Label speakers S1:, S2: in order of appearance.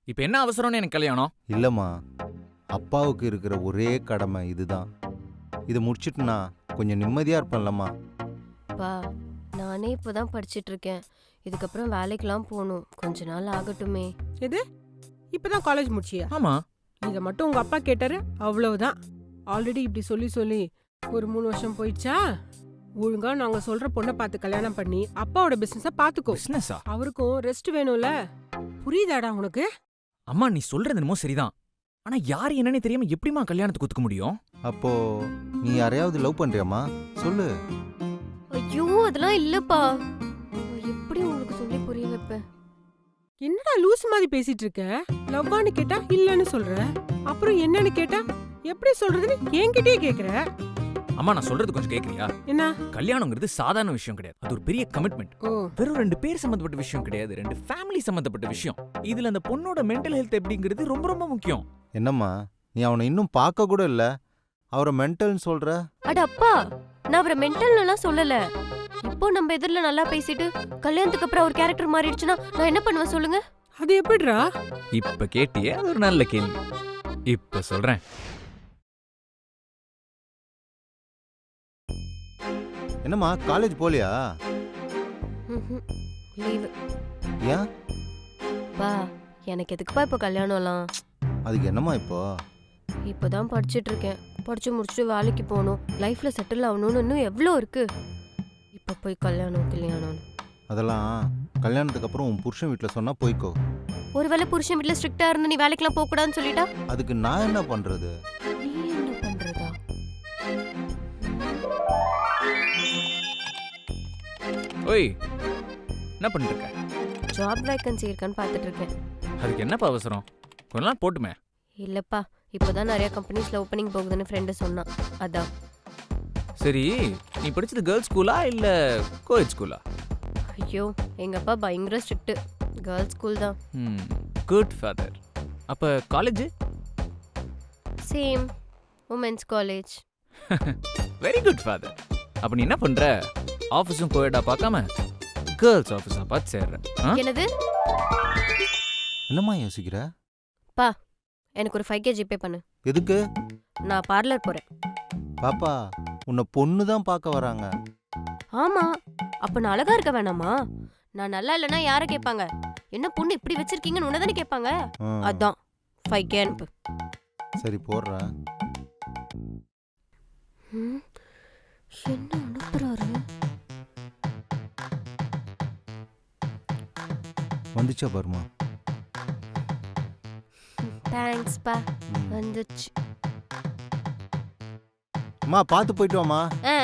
S1: இப்ப என்ன அவசரம்னு எனக்கு கல்யாணம்?
S2: இல்லைம்மா, அப்பாவுக்கு இருக்கிற ஒரே கடமை இதுதான். இதை முடிச்சிட்டுனா கொஞ்சம் நிம்மதியாக இருப்பேன்லம்மா.
S3: பா நானே இப்போதான் படிச்சிட்டு இருக்கேன். இதுக்கப்புறம் வேலைக்கெல்லாம் போகணும். கொஞ்ச நாள் ஆகட்டுமே.
S4: எது இப்பதான் காலேஜ் முடிச்சியா?
S1: ஆமா.
S4: இதை மட்டும் உங்க அப்பா கேட்டாரு, அவ்வளவுதான். ஆல்ரெடி இப்படி சொல்லி சொல்லி ஒரு 3 வருஷம் போயிடுச்சா? ஒழுங்கா நாங்க சொல்ற பொண்ணை பார்த்து கல்யாணம் பண்ணி அப்பாவோட பிசினஸ பாத்துக்கோ.
S1: பிசினஸா?
S4: அவருக்கும் ரெஸ்ட் வேணும்ல. புரியுதாடா உனக்கு?
S1: அம்மா நீ சொல்றது என்னமோ சரிதான். ஆனா யாரு என்னன்னே தெரியாம எப்படிமா கல்யாணத்துக்கு ஒத்துக்க முடியும்?
S2: அப்போ நீ யாரையாவது லவ் பண்றியாம்மா? சொல்லு.
S3: ஐயோ அதெல்லாம் இல்லப்பா. எப்படி உங்களுக்கு சொல்லி புரிய வைப்பேன்?
S4: என்னடா லூஸ் மாதிரி பேசிட்டு இருக்க? லவ்வான்னு கேட்டா இல்லன்னு சொல்ற, அப்புறம் என்னன்னு கேட்டா எப்படி சொல்றதுன்னு என்கிட்டயே கேக்குற.
S1: அம்மா நான் சொல்றது கொஞ்சம் கேக்குறியா?
S4: என்ன?
S1: கல்யாணங்கிறது சாதாரண விஷயம் கிடையாது. அது ஒரு பெரிய கமிட்மெண்ட்.
S4: ஓ,
S1: வெறும் 2 பேர் சம்பந்தப்பட்ட விஷயம் கிடையாது. 2 ஃபேமிலி சம்பந்தப்பட்ட விஷயம். இதுல அந்த பொண்ணோட மென்டல் ஹெல்த் எப்படிங்கிறது ரொம்ப ரொம்ப முக்கியம்.
S2: என்னம்மா, நீ அவனை இன்னும் பார்க்க கூட இல்லை, அவரை மென்டல்னு சொல்ற?
S3: அட அப்பா, நான் அவரை மென்டல்னுலாம் சொல்லல. இப்போ நம்ம எதிரில நல்லா பேசிட்டு கல்யாணத்துக்கு அப்புறம் அவர் கேரக்டர் மாறிடுச்சுன்னா நான் என்ன பண்ணுவேன் சொல்லுங்க?
S4: அது எப்படிடா?
S1: இப்ப கேட்டியே, அது ஒரு நல்ல கேள்வி. இப்ப சொல்றேன்.
S2: என்னம்மா, காலேஜ் போலியா?
S3: லீவு.
S2: ஏன்?
S3: பா எனக்கு எதுக்குப்பா இப்போ கல்யாணம்லாம்?
S2: அதுக்கு என்னம்மா இப்போ?
S3: இப்போதான் படிச்சிட்டு இருக்கேன். படிச்சு முடிச்சுட்டு வேலைக்கு போகணும், லைஃப்ல செட்டில் ஆகணும்னு இன்னும் எவ்வளோ இருக்கு. இப்போ போய் கல்யாணம்.
S2: அதெல்லாம் கல்யாணத்துக்கு அப்புறம் உன் புருஷன் வீட்டில் சொன்னா போய்க்கோ.
S3: ஒருவேளை புருஷன் வீட்டில் ஸ்ட்ரிக்டா இருந்து நீ வேலைக்கெல்லாம் போக கூடாதுன்னு சொல்லிட்டா
S2: அதுக்கு நான் என்ன பண்றது?
S3: நீ என்ன பண்றதா?
S1: ஓய், என்ன பண்ணிட்டு இருக்க?
S3: ஜாப் வேக்கன்சி இருக்கான்னு பார்த்துட்டு இருக்கேன்.
S1: அதுக்கு என்னப்பா அவசரம்? கொஞ்ச நாள் போட்டுமே.
S3: இல்லப்பா, இப்போதான் நிறைய கம்பெனிஸ்ல ஓப்பனிங் போகுதுன்னு ஃப்ரெண்டு சொன்னான், அதான்.
S1: சரி, நீ படிச்சது கேர்ள்ஸ் ஸ்கூலா இல்ல கோயட் ஸ்கூலா?
S3: ஐயோ எங்க அப்பா பயங்கர ஸ்ட்ரிக்ட். கேர்ள்ஸ் ஸ்கூல் தான்.
S1: Good father. அப்ப college?
S3: Same, women's college.
S1: Very good father. அப்ப நீ என்ன பண்ற? ஆஃபீஸும் கோயட்டா பார்க்காம கேர்ள்ஸ் ஆஃபீஸா பார்த்து சேர்ற.
S3: என்னது?
S2: என்னம்மா யோசிக்கிற?
S3: பா எனக்கு ஒரு 5K ஜிபே பண்ணு.
S2: எதுக்கு?
S3: நான் பார்லர் போறேன்.
S2: பாப்பா, உன்னை பொண்ணு தான் பார்க்க வராங்க.
S3: ஆமா, அப்ப நான் அழகா இருக்க வேணாமா? நான் நல்லா இல்லைன்னா யாரை கேட்பாங்க? என்ன பொண்ணு இப்படி வச்சிருக்கீங்கன்னு உன்னதானே கேட்பாங்க. அதான் 5K அனுப்பு.
S2: சரி போடுறேன்.
S3: என்ன அனுப்புறாரு?
S2: வந்துச்சா பாருமா?
S3: தேங்க்ஸ் பா, வந்துச்சு.
S2: அம்மா பார்த்து போயிட்டு வாமா.